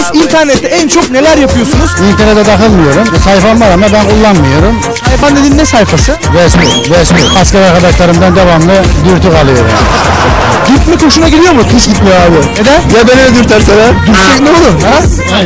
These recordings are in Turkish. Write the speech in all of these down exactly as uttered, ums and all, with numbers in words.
soruyoruz. İnternette en çok neler yapıyorsunuz? İnternete takılmıyorum. Sayfam var ama ben kullanmıyorum. Sayfan dediğin ne sayfası? Resmi, resmi. Asker arkadaşlarımdan devamlı dürtük alıyorum. Dürtmek hoşuna gidiyor mu? Hiç gitmiyor abi. Neden? Ya beni de dürtersen ha? Dürsek ne olur? Ha?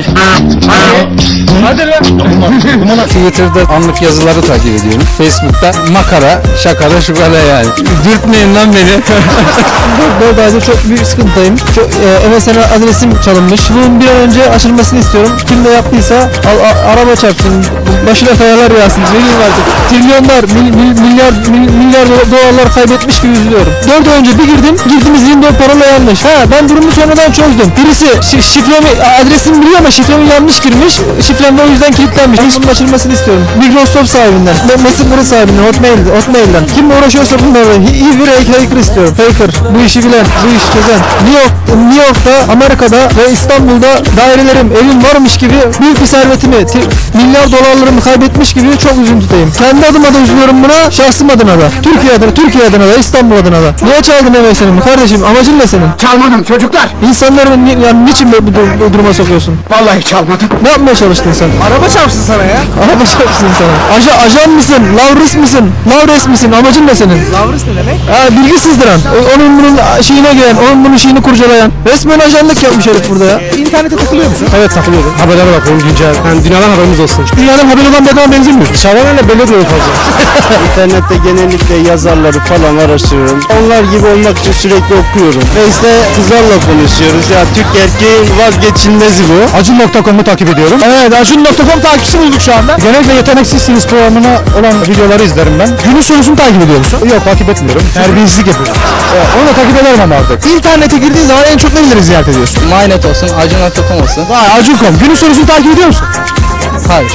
Hadi lan. Twitter'da anlık yazıları takip ediyorum. Facebook'ta makara, şakara, şukara yani. Dürtmeyin lan beni. Buradaydı çok büyük sıkıntıdayım. Çok, e, M S N adresim çalınmış. Bunun bir an önce açılmasını istiyorum. Kim de yaptıysa al, a, araba çarpsın, başına kayalar yağsın. Ne diyeyim artık? Trilyonlar, mil, mil, milyar mil, milyar dolarlar kaybetmiş gibi üzülüyorum. dört ay önce bir girdim, girdiğimiz Windows parola yanlış. Ha, ben durumu sonradan çözdüm. Birisi şi, şifremi, adresimi biliyor ama şifremi yanlış girmiş. Şifrem de o yüzden kilitlenmiş. Bunun açılmasını istiyorum. Microsoft sahibinden, Messenger'ın sahibinden, Hotmail, Hotmail'den. Kim uğraşıyorsa bunlarla iyi bir hacker istiyorum. Hacker, bu işi bilen, bu işi çözen. New York, New York'ta, Amerika'da ve İstanbul'da dairelerim, evim varmış gibi büyük bir servetimi, milyar dolarlarımı kaybetmiş gibi çok üzüntüdeyim. Kendi adıma da üzülüyorum buna, şahsım adına da. Türkiye adına, Türkiye adına da, İstanbul adına da. Niye çaldın M S N'imi kardeşim? Amacın ne senin? Çalmadım çocuklar. İnsanları ni, yani niçin bu, bu, bu duruma sokuyorsun? Vallahi çalmadım. Ne yapmaya çalıştın sen? Araba çarpsın sana ya. Araba çarpsın sana. Aja, ajan mısın? Lavris misin? Lavres misin? Amacın ne senin? Lavris ne demek? Ha, bilgisizdiren. O- Onun bunun şeyine giren, onun bunun şeyini kurcalayan. Resmen ajanlık yapmış herif burada ya. İnternete takılıyor musun? Evet, takılıyorum. Haberlere bakalım güncel. Yani dünyadan haberimiz olsun. Dünyadan haber olan bir adama benzemiyor. Dışarıdan öyle belli diyor fazla. İnternette genellikle yazarları falan araştırıyorum. Onlar gibi olmak için sürekli okuyorum. Ve işte kızlarla konuşuyoruz. Ya Türk erkeğin vazgeçilmezi bu. Acun nokta com'u takip ediyorum. Evet, Acun nokta com takipçisi bulduk şu anda. Genellikle Yeteneksizsiniz programına olan videoları izlerim ben. Günün sorusunu takip ediyor musun? Yok, takip etmiyorum. Terbiyesizlik yapıyorum. Evet, onu da takip ederim ama artık. İnternete girdiğin zaman en çok neleri ziyaret ediyorsun? Mynet olsun, Acun nokta com olsun. Vay, Acun nokta com. Günün sorusunu takip ediyor musun? Hayır.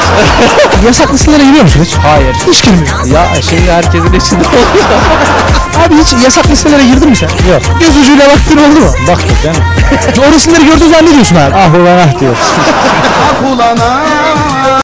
Yasak listelere giriyor musun hiç? Hayır. Hiç girmiyor. Ya şimdi herkesin içinde oluyor. Abi hiç yasak listelere girdin mi sen? Yok. Göz ucuyla baktın oldu mu? Baktık yani. O resimleri gördüğün zaman ne diyorsun abi? Ah ulan ah diyor. Ah ulan ah.